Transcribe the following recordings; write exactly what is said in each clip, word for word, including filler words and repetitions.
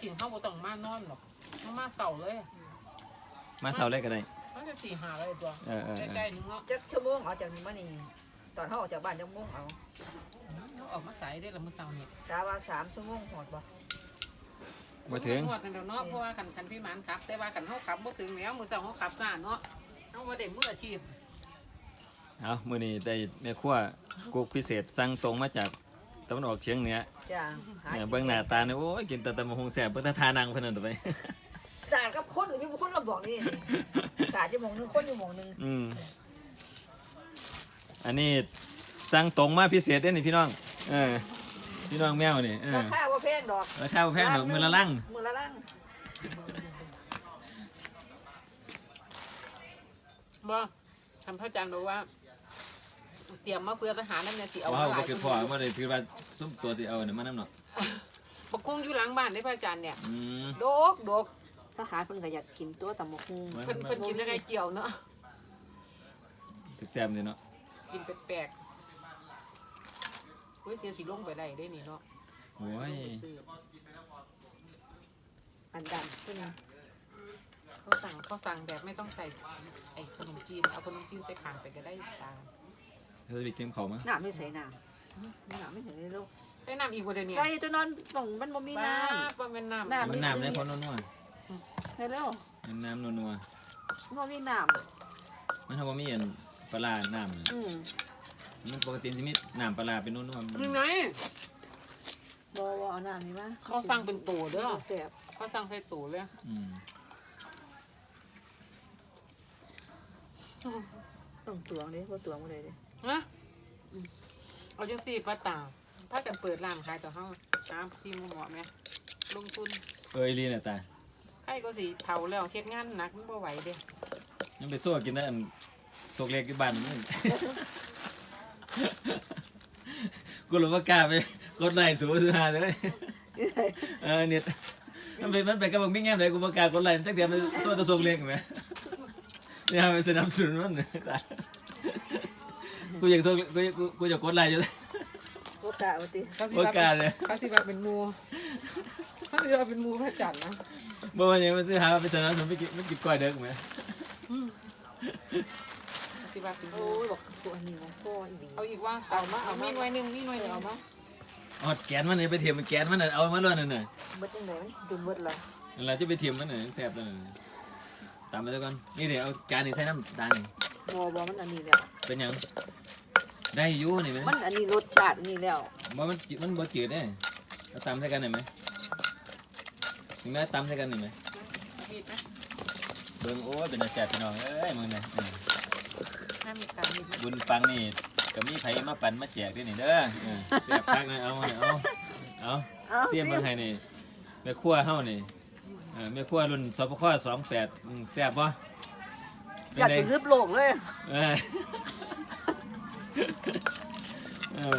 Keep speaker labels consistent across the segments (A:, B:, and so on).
A: ถิ่นเข้าบ่ต้องมานอนหรอกมาเสาเลย
B: มาเสาเลยก็ได้
A: มันจะสี่หาเลยตัวใกล้ๆนึงเนาะ
C: จักชั่วโมงเอาจากนี้มานี่ตอนเขาออกจากบ้านจักโมงเอา
A: ออกมาสายได้ละมื้อเช้านี่
C: กะว่าสามชั่วโมงหอดบ่
B: บ่ถึง
A: หอดนั่นเนาะเพราะว่าคันคันพี่หมานขับแต่ว่าคันเฮาขับบ่ถึงแล้วมื้อเช้าเฮาขับซ่าเนาะเฮาบ่ได้มืออาชีพ
B: เอามื้อนี้ได้แม่ครัวกุ๊กพิเศษสั่งตรงมาจากตะวันออกเฉียงเหนือ
C: จ้า
B: เนี่ยเบิ่งหน้าตาเนี่ยโอ้ยกินแต่ตำบักหุ่งแซ่บเบิ่งแต่ทานังเพิ่นนั่นต่อไป
C: สาดกับคนอยู่คนเราบอกนี่สาดอยู่หม่องนึงคนอยู่หม่องนึง
B: อืมอันนี้สั่งตรงมาพิเศษเด้นี่พี่น้องเออพี่น้องแมวนี่เออ
C: ราคาบ่แพงดอก
B: ราคาบ่แพงดอกมื้อละลัง
C: มื้อละลัง
A: บ่ท่านพระอาจารย์บอกว่าเตรียมมาเพื่อทหารนั่นเนี่ยสิเอา
B: ว้าวบ่คือพ่อบ่ได้ถือว่าซุมตัวที่เอาเนี่ยมานำเนาะ
A: บักกุ้งอยู่หลังบ้านได้พระอาจารย์เนี่ย
B: อืม
A: โดกโดก
C: ทหารเพิ่นก็อยากกินตัวตำบักหุ่ง
A: เพิ่นเพิ่นกินยังไงเกี่ยวเนาะ
B: แซ่บๆนี่เนาะ
A: กินแปลกๆเฮ้ยเสียสิลงไปได้ได้นี่เนาะ
B: โอ้ย
C: อันดำขึ้น
A: เขาสั่งเขาสั่งแบบไม่ต้องใส่ไอ้ขนมจีนเอาขนมจีนใส่ข้างไปก็ได้ตา
B: เธอไปกินข้าวมั้ย
C: น้ำไม่ใส่น้ำน้ำไม่ใส่ในโลก
A: ใส่น้ำอีกบ่เดี๋ยวนี้
C: ใส่จนนอนป่องมันบ่มีน้ำ
A: บ่แม่นน้
B: ำมันน้ำได้พอนัว
C: ๆเร็ว
B: ๆน้ำนัว
C: ๆบ่มีน้
B: ำมันถ้าบ่มีอันปลาน้ำอืมมันปกติสิมีน้ำปลาเป็นนัวๆ
A: นี่ไง
C: บ่บ่เอาน้ำนี่มา
A: เขาสั่งเป็นตู้เด้อเขาสั่งใส่ตู้เลย
B: อืม
C: ต้องตวงดิบ่ตวงบ่ได้เด้
A: ฮะเอาจังซี่ป้าตาพากันเปิดร้านขายต่อเฮาตามที่หมอแม่ลงทุน
B: เอ้ยลีน่ะตา
A: ใครก็สิเฒ่าแล้วเฮ็ดงานหนักมันบ่ไหวเด้
B: ยังไปสู้กินได้อันตกเล็กอยู่บ้านมึงกูรู้ว่ากล้าไปกดไลค์สูงสุดหาเลยเออเนี่ยมันเป็นมันเป็นกับมึงไม่แง่เลยกูบ่กล้ากดไลค์ตั้งแต่มันสู้ตะส่งเล็กมั้ยเนี่ยไปสนับสนุนมันกูอยากส่งกูกูกูจะกดไลค์อยู่
C: โอกาสว่าติ
B: โอกาสเลย
A: เขาสิว่าเป็นหมู่เขาสิว่าเป็นหมู่พระจันทร์นะ
B: บ่ว่าหยังมันสิหาไปสนับสนุนไปกินมันกินก้อยเด้อมั้ย
A: สิว่าเป็นห
C: มู่
A: โอ้
C: ยบอกตัวนี้ของพ่ออี
A: เอาอีกว่าเอามาเอามีหน่วยนึงมีหน่วยนึงเอามา
B: อดแกนมันนี่ไปเทียมมันแกนมันน่ะเอามาล้วนนั่นน่ะ
C: บ่จังได๋มันดึงเบิดล่ะ
B: นั่นล่ะจะไปเทียมมันน่ะแซ่บนั่นน่ะตามไปซะก่อนนี่เดี๋ยวเอาจานนี้ใส่น้ำตาลนี่
C: บ่บ่มันอันนี้แล้ว
B: เป็นหยังได้อยู่นี่มั้ย
C: มันอันนี้รสชาตินี่แล้ว
B: บ่มันมันบ่จืดเด้เอาตำใส่กันได้มั้ยนี่แม่ตำใส่กันนี่มั้ย
A: มีดมั้ย
B: เบิ่งโอ้ยเป็นตาแซ่บพี่น้องเอ้ยมึงนี่
A: ถ้ามีการมี
B: บุญปังนี่ก็มีไผมาปั่นมาแจกด้วยนี่เด้อแซ่บคักนะเอาเอาเอาเสียมเบิ่งให้นี่แม่ครัวเฮานี่เออแม่ครัวรุ่นสปคสองแปดอืมแซ่บบ่
C: อยากเป็นรึบโลกเลย
B: เออเออ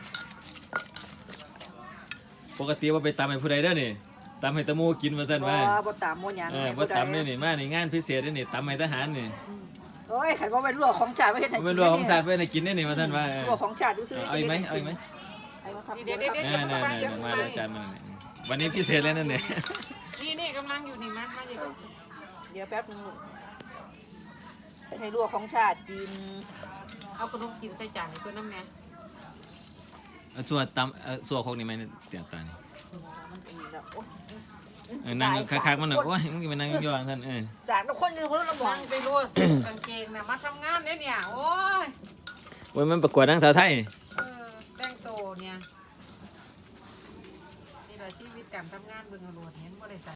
B: ปกติว่าไปตำให้ผู้ใดเด้อนี่ตำให้ตะหมู่กินว่าซั่นว่า
C: บ่บ่ตำบ่หยัง
B: เออบ่ตำนี่นี่มานี่งานพิเศษนี่ตำให้ทหารนี่
C: โอ้ยขันว่าเป็นลวกของชาติไม่ใช่ใส่กิน
B: เป็นลวกของชาติไม่ได้กินนี่นี่ว่าท่านว่า
C: ลวกของชาติซื้อ
B: เอาอีกไหมเอาอีกไหม
A: เดี๋ยวเดี๋ยวเดี๋ยว
B: มามาอาจารย์มาวันนี้พิเศษเลยนั่นเนี่ย
A: นี่นี่กำลังอยู่นี่มามาอยู่
C: เดี๋ยวแป๊บนึงเป็นให้ลวกของชาติกิน
A: เอาขนมกินใส่จานให้เพื่อนน้ำแน่
B: เอาส่วนตำเอาส่วนพวกนี้ไหมเตียงตานี่นั่งคักๆมันหน่อยโอ้ยมึงกินไปนั่งย่อๆท่านเออ
C: สารคนนึงคนละหมอง
A: ไปรู้กางเกงน่ะมาทำงานเนี่ยเนี่ยโอ้ย
B: โอ้ยมันประกวดนางสาวไทย
A: เออแต่งโตเนี่ยนี่แหละชีวิตการทำงานเบิ่งอรรถเห็นบ่ได้